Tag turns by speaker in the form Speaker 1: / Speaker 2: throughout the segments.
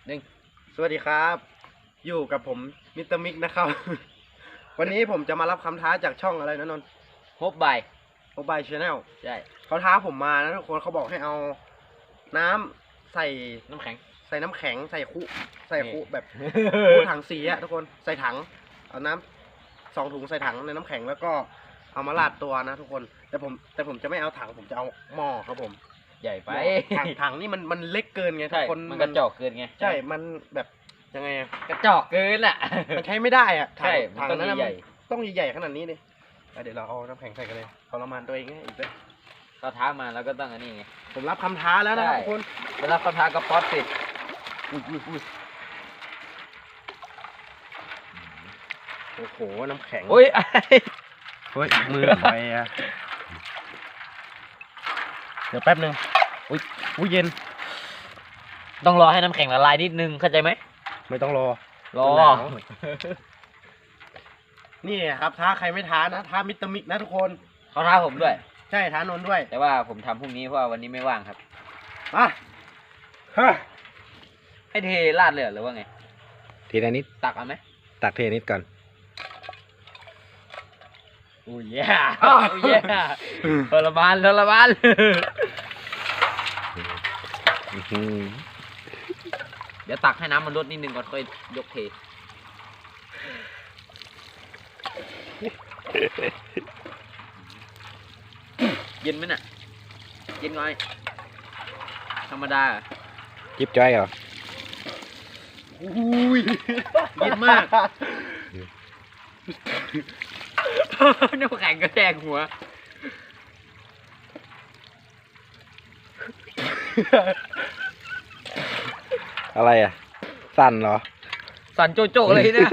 Speaker 1: 1
Speaker 2: สวัสดีครับ อยู่กับผมมิสเตอร์มิกนะครับ วันนี้ผมจะมารับคำท้าจากช่องอะไรนะนนท์
Speaker 1: ฮบบาย
Speaker 2: โมบายชาแนล
Speaker 1: ใช่
Speaker 2: เขาท้าผมมานะทุกคนเขาบอกให้เอาน้ำใส่
Speaker 1: น้ำแข็ง
Speaker 2: ใส่น้ำแข็งใส่คุ
Speaker 1: นี่
Speaker 2: แบบคุถังสีอะทุกคนใส่ถังเอาน้ำ2 ถุงใส่ถังในน้ำแข็งแล้วก็เอามาราดตัวนะทุกคนแต่ผมจะไม่เอาถังผมจะเอาหม้อครับผม
Speaker 1: ใหญ่ไป
Speaker 2: ถังนี่มันเล็กเกินไงทุ
Speaker 1: ใช่
Speaker 2: กคน
Speaker 1: มันกระจอกเกินไง
Speaker 2: ใช่มันแบบยังไงอะ
Speaker 1: กระจอกเกินอ่ะ
Speaker 2: มันใช้ไม่ได้อะถั
Speaker 1: ใช่
Speaker 2: ถัง
Speaker 1: มันต้อง
Speaker 2: นั้นน่ะ
Speaker 1: ใหญ่
Speaker 2: มันต้องใหญ่ๆขนาดนี้เลยเดี๋ยวเราเอาน้ำแข็งใส่กันเลยทรมานตัวเองให้อีกด้วย
Speaker 1: เขาท้ามาแล้วก็ต้องอันนี้ไง
Speaker 2: ผมรับคำท้าแล้วนะครับ
Speaker 1: ใช่
Speaker 2: ทุกคน
Speaker 1: เวลาเขาท้าก็ป๊อตสิ
Speaker 2: อุ้ยโอ้โหน้ำแข็ง
Speaker 1: อุ้ย
Speaker 2: เฮ้ยมือไปอะเดี๋ยวแป๊บนึงอุ้ยเย็น
Speaker 1: ต้องรอให้น้ำแข็งละลายนิดนึงเข้าใจไหม
Speaker 2: ไม่ต้องรอ
Speaker 1: รอ
Speaker 2: หนาว นี่ครับท้าใครไม่ท้านะท้ามิสเตอร์มิกนะทุกคน
Speaker 1: เขาท้าผมด้วย
Speaker 2: ใช่ท้านนท์ด้วย
Speaker 1: แต่ว่าผมทำพรุ่งนี้เพราะว่าวันนี้ไม่ว่างครับ
Speaker 2: มาฮะ
Speaker 1: ให้เทราดเลยเหรอหรือว่าไง
Speaker 3: ทีละนิด
Speaker 1: ตักเอาไหม
Speaker 3: ตักทีละนิดก่อน
Speaker 1: อุ้ยแย่อุ้ยแย่ทรมาน
Speaker 3: อื้อหือ
Speaker 1: เดี๋ยวตักให้น้ำมันลดนิดนึงก่อนค่อยยกเท เย็นไหมน่ะ เย็นไงธรรมดา
Speaker 3: จิบจ้อยเหรอ
Speaker 2: อุ้ย
Speaker 1: เย็นมาก น้ำแข็งกระแทกหัว
Speaker 3: อะไรอ่ะ สั่นเหรอ
Speaker 1: สั่นโจโจเลยนะ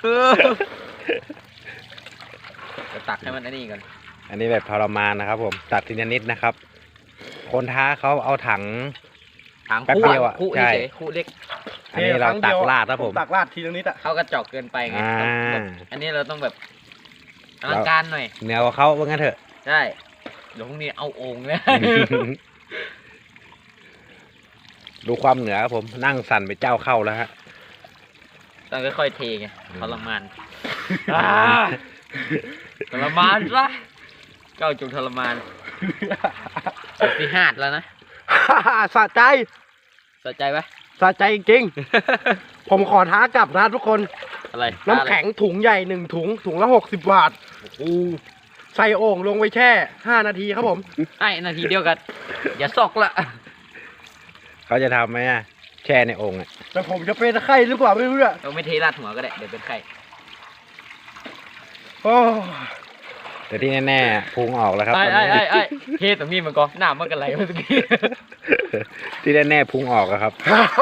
Speaker 1: จะตักให้มันอันนี้ก่อน
Speaker 3: อันนี้แบบทรมานนะครับผม ตัดทีละนิดนะครับ คนท้าเขาเอาถัง
Speaker 1: ถาง
Speaker 3: แป๊บ
Speaker 1: คู่
Speaker 3: เดียวอะ
Speaker 1: คู่
Speaker 3: ใช่
Speaker 1: เฉยๆคู่เล็ก
Speaker 3: อันนี้เราตักราดครับผม
Speaker 2: ตักราดทีละนิดอะ
Speaker 1: เขากระจอกเกินไปไง
Speaker 3: อ่า
Speaker 1: แบบอันนี้เราต้องแบบอลังการหน่อย
Speaker 3: เหนือกว่าเขาว่างั้นเถอะ
Speaker 1: ใช่เดี๋ยวพรุ่งนี้เอาโอ่งเลย
Speaker 3: ดูความเหนือครับผม นั่งสั่นไปเจ้าเข้าแล้วฮะ
Speaker 1: ต้องค่อยๆเทไงทรมานทรมานซะเก้าจงทรมานที่หาดแล้วนะ
Speaker 2: สะใจ
Speaker 1: สนใจปะ
Speaker 2: สะใจจริงๆ ผมขอท้ากลับนะทุกคน
Speaker 1: อะไร
Speaker 2: น้ำแข็งถุงใหญ่1 ถุงละ60 บาทใส่โอ่งลงไว้แช่5 นาทีครับผม
Speaker 1: ไอ้นาทีเดียวกัน อย่าซอกละ
Speaker 3: เขาจะทำไหมอ่ะ แช่ในโองค์อ่ะ
Speaker 2: แต่ผมจะเป็นไข้หรือเปล่าไม่รู้อะ
Speaker 1: เราไม่เทราดหัวก็ได้เดี๋ยวเป็นไข้
Speaker 2: โอ้
Speaker 3: แต่ที่แน่ๆพุงออกแล้วครับ
Speaker 1: ไอ้เทตรงนี้มันก็หน้ามันกันไหลเมื่อกี้
Speaker 3: ที่แน่ๆพุงออกแล้วครับ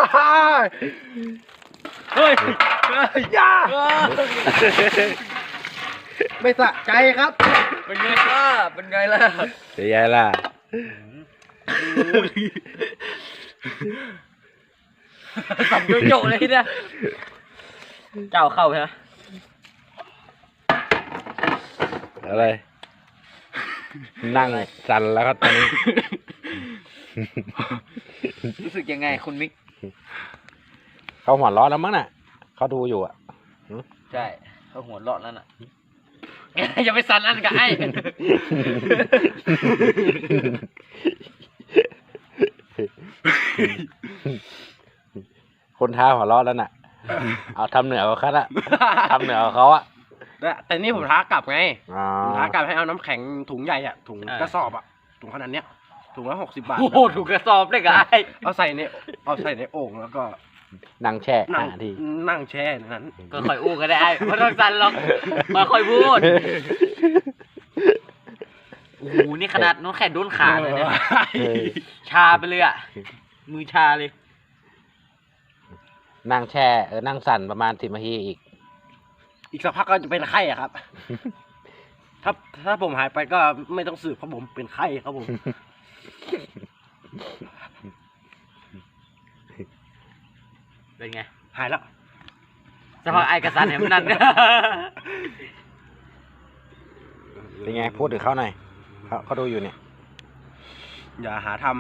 Speaker 1: เฮ้ย
Speaker 2: อย่าไม่สะใจครับ
Speaker 1: เป็นไงล่ะเป็นไงล่ะ
Speaker 3: เสียยายล่ะ
Speaker 1: สั่นโจๆเลยเนี่ยเจ้าเข้าใช่ไหม
Speaker 3: อะไร นั่งสั่นแล้วครับตอนนี้
Speaker 1: รู้สึกยังไงคุณมิก
Speaker 3: เขาหัวร้อนแล้วมั้งน่ะ เขาดูอยู่อ่ะ
Speaker 1: ใช่เขาหัวเราะแล้วน่ะ อย่าไปสั่นอันกับไอ้
Speaker 3: คนท้าหัวร้อนแล้วน่ะ เอาทำเหนือกว่าเขาละทำเหนือกว่าเขาอ่ะ
Speaker 2: แต่นี่ผมท้ากลับไง
Speaker 3: อ๋อ
Speaker 2: ผมท้ากลับให้เอาน้ำแข็งถุงใหญ่อะถุง
Speaker 1: อ่าก
Speaker 2: กระสอบอะถุงขนาดเนี้ยถุงละ60 บาท
Speaker 1: โอ้โหถูกกระสอบเลยกับไอ้
Speaker 2: เอาใส่ในโอ่งแล้วก็
Speaker 3: นั่งแช่
Speaker 2: นั่ง
Speaker 3: 5 นาที
Speaker 2: นั่งแช่ในนั้น
Speaker 1: ก็ค่อยอู้ก็ได้ไอ้ไม่ต้องสั่นหรอกค่อยๆพูดโอ้โหนี่ขนาดน้องแขนโดนขาเลยเนี่ย ชาไปเลยอ่ะ มือชาเลย
Speaker 3: นั่งแช่นั่งสั่นประมาณ10 นาทีอีก
Speaker 2: อีกสักพักก็จะเป็นไข้อะครับ ถ้าผมหายไปก็ไม่ต้องสืบเพราะผมเป็นไข้ครับผม
Speaker 1: เป็นไง
Speaker 2: หายแล้ว
Speaker 1: สภาพไอ้กระสันเห็นมันนั่น
Speaker 3: เป็นไง พูดถึงเขาหน่อยเขาดูอยู่เนี่ย
Speaker 2: อย่าหาท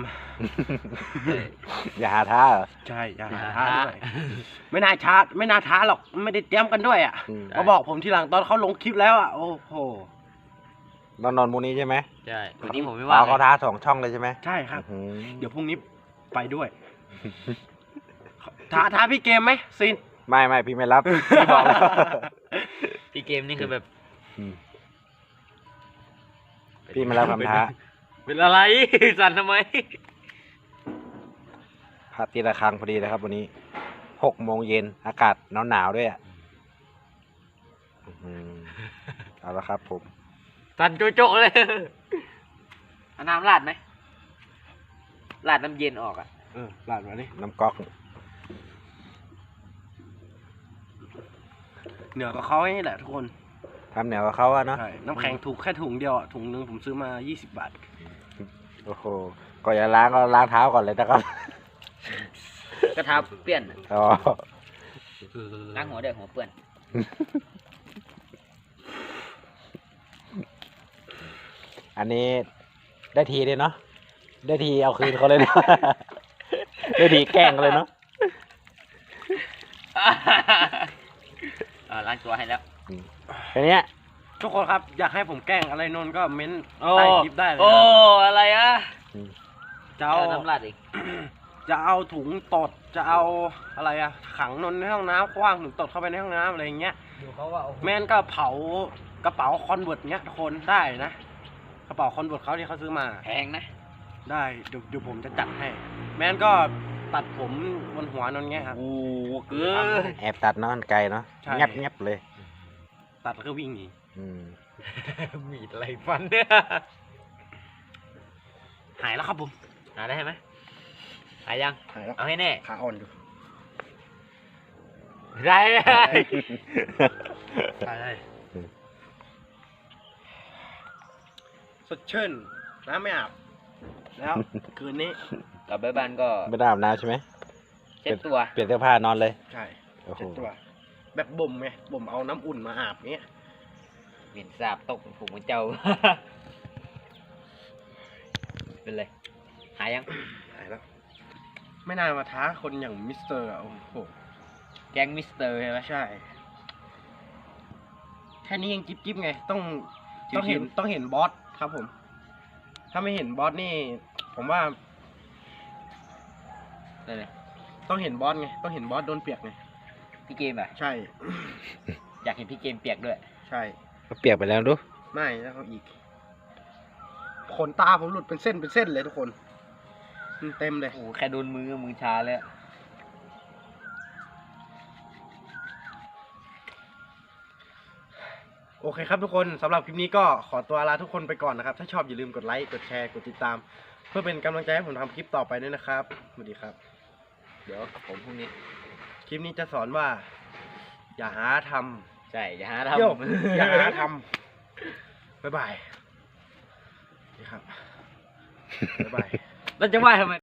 Speaker 3: อย่าหาท้าเหรอ
Speaker 2: ำใช่อย่าหาท้าด้วยไม่น่าท้าหรอกไม่ได้เตรียมกันด้วยอ่ะ
Speaker 3: อืม
Speaker 2: มาบอกผมทีหลังตอนเขาลงคลิปแล้วอ่ะโอ้โห
Speaker 3: นอนมูนี้ใช่ไหม
Speaker 1: ใช่วันนี้ผมไม่
Speaker 3: อ๋
Speaker 1: ว่า
Speaker 3: อเขาท้า2 ช่องเลยใช่ไหม
Speaker 2: ใช่ครับ
Speaker 3: อื้อหือ
Speaker 2: เดี๋ยวพรุ่งนี้ไปด้วย ท้าพี่เกมไหมซิน
Speaker 3: ไม่พี่ไม่รับพี่บอกแล้ว
Speaker 1: พี่เกมนี่คือแบบ
Speaker 3: อืมพี่ไม่รับคำท้า
Speaker 1: เป็นอะไร สั่นทำไม
Speaker 3: พระตีระฆังพอดีนะครับวันนี้6 โมงเย็นอากาศหนาวด้วยอ่ะอื้อหือเอาละครับผม
Speaker 1: สั่นโจ๊กๆเลยเอาน้ำราดไหมราดน้ำเย็นออกอ่ะ
Speaker 2: หลานมาดิ
Speaker 3: น้ำก๊อก
Speaker 2: เหนือกับเขาให้แหละทุกคน
Speaker 3: ทำเหนียวกับเขาอะเนาะ
Speaker 2: ใช่น้ำแข็งถูกแค่ถุงเดียวอ่ะถุงนึงผมซื้อมา20 บาท
Speaker 3: โอ้โหก่อนจะล้างก็ล้างเท้าก่อนเลยนะครับ
Speaker 1: กระทาเปื้อน
Speaker 3: อ๋อ
Speaker 1: ล้างหัวด้วยหัวเปื้อน
Speaker 3: อันนี้ได้ทีเลยเนาะได้ทีเอาคืนเขาเลยเนาะ ได้ทีแกล้งเขาเลยเนาะ
Speaker 1: ล้างตัวให้แล้ว
Speaker 3: ทีเนี้ย
Speaker 2: ทุกคนครับอยากให้ผมแกล้งอะไรนนท์ก็เม้น
Speaker 1: โอ้
Speaker 2: ใต้คลิปได้เลย
Speaker 1: โอ้
Speaker 2: นะ
Speaker 1: อะไรอ่ะ
Speaker 2: จะเอา
Speaker 1: น้ำราดอีก
Speaker 2: จะเอาถุงตดจะเอาอะไรอะขังนนท์ในห้องน้ำคว้างถุงตดเข้าไปในห้องน้ำอะไรอย่างเงี้ย
Speaker 1: ดูเขาว่า
Speaker 2: แม่นก็เผากระเป๋าคอนเวิร์ตเงี้ยทุกคนได้นะกระเป๋าคอนเวิร์ตเขาที่เขาซื้อมา
Speaker 1: แพงนะ
Speaker 2: ได้เดี๋ยวผมจะจัดให้ แม่นก็ตัดผมบนหัวนนท์เงี้ยครับ
Speaker 1: โอ้เกิน
Speaker 3: แอบตัดเนาะไกลเนาะ
Speaker 2: ใช่
Speaker 3: งับเลย
Speaker 2: ตัดแล้วก็วิ่งหนี
Speaker 3: อืม
Speaker 1: มีดอะไรฟันเนี่ย
Speaker 2: หายแล้วครับผม
Speaker 1: หาได้ไหมหายัง
Speaker 2: หายแล้ว
Speaker 1: เอาให้แน่
Speaker 2: ขาอ่อนอยู่
Speaker 1: ได้ได้
Speaker 2: สดชื่นน้ำไม่อาบแล้วคืนนี้
Speaker 1: กลับไปบ้านก็
Speaker 3: ไม่ได้อาบน้ำใช่ไหม
Speaker 1: เช็ดตัว
Speaker 3: เปลี่ยนเสื้อผ้านอนเลย
Speaker 2: ใช่
Speaker 3: โอ้โห
Speaker 2: เช็ดตัวแบบบ่มไงบ่มเอาน้ำอุ่นมาอาบเงี้ย
Speaker 1: เหม็นสาบตกผูกเหมือนเจ้า เป็นไรหายัง
Speaker 2: หายแล้ว ไม่น่ามาท้าคนอย่างมิสเตอร์อะโอ้โห
Speaker 1: แก๊งมิสเตอร์ใช่ไหม
Speaker 2: ใช่ แค่นี้ยังจิ๊บไง ต้อง
Speaker 1: จิ๊บๆ
Speaker 2: ต้องเห็นบอสครับผม ถ้าไม่เห็นบอสนี่ ผมว่า
Speaker 1: นั่นแหละ
Speaker 2: ต้องเห็นบอสไง ต้องเห็นบอสโดนเปียกไง
Speaker 1: พี่เกมอ่ะ
Speaker 2: ใช่
Speaker 1: อยากเห็นพี่เกมเปียกด้วย
Speaker 2: ใช่
Speaker 3: ก็เปียกไปแล้วดู
Speaker 2: ไม่แล้วเขาอีก ขนตาผมหลุดเป็นเส้นเลยทุกคนเต็มเลย
Speaker 1: โอ้โหแค่โดนมือชาเลยอะ
Speaker 2: โอเคครับทุกคนสำหรับคลิปนี้ก็ขอตัวลาทุกคนไปก่อนนะครับ ถ้าชอบอย่าลืมกดไลค์ กดแชร์ กดติดตาม เพื่อเป็นกำลังใจให้ผมทำคลิปต่อไปด้วยนะครับ สวัสดีครับ
Speaker 1: เดี๋ยวผมพรุ่งนี้
Speaker 2: คลิปนี้จะสอนว่า อย่าหาท
Speaker 1: ใช่อย่าหา
Speaker 2: ำ
Speaker 1: ทำ
Speaker 2: โยกอย่าหาทำบ๊ายบายนี่ครับบ๊ายบาย
Speaker 1: แล้วจะว่าทำไม